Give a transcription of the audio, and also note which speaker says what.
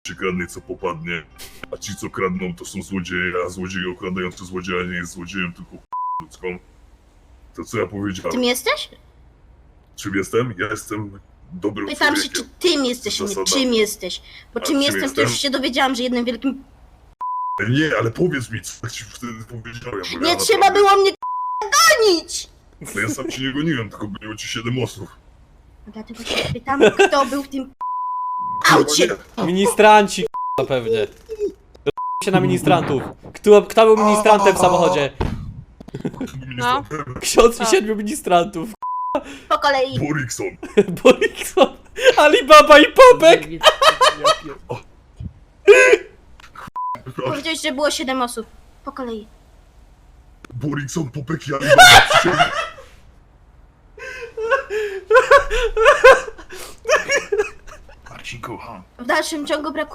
Speaker 1: się kradnie co popadnie, a ci co kradną to są złodzieje, a złodziej okradający złodzieja nie jest złodziejem, tylko ludzką. To co ja powiedziałem?
Speaker 2: Tym jesteś?
Speaker 1: Czym jestem? Ja jestem dobrym
Speaker 2: Pytam się,
Speaker 1: człowiekiem.
Speaker 2: czy tym jesteś, nie
Speaker 1: Zasadami.
Speaker 2: czym jesteś. Bo
Speaker 1: A
Speaker 2: czym
Speaker 1: czym
Speaker 2: jestem, to już się dowiedziałam, że jednym wielkim...
Speaker 1: Nie, ale powiedz mi, co ci wtedy powiedziałem. Bo
Speaker 2: Nie
Speaker 1: ja
Speaker 2: trzeba
Speaker 1: naprawdę-
Speaker 2: było mnie gonić!
Speaker 1: Ale ja sam ci nie goniłem, tylko goniło ci 7 osób.
Speaker 2: Dlatego się pytam, kto był w tym aucie.
Speaker 3: Ministranci, k***a, pewnie. Się na ministrantów. Kto był ministrantem w samochodzie?
Speaker 4: No.
Speaker 3: Ksiądz i 7 ministrantów.
Speaker 2: Po kolei.
Speaker 1: Borikson.
Speaker 3: Borikson, Alibaba i Popek.
Speaker 2: Powiedziałeś, że było 7 osób. Po kolei.
Speaker 1: Borikson, Popek i Alibaba.
Speaker 5: Marcinku,
Speaker 2: W dalszym ciągu brakuje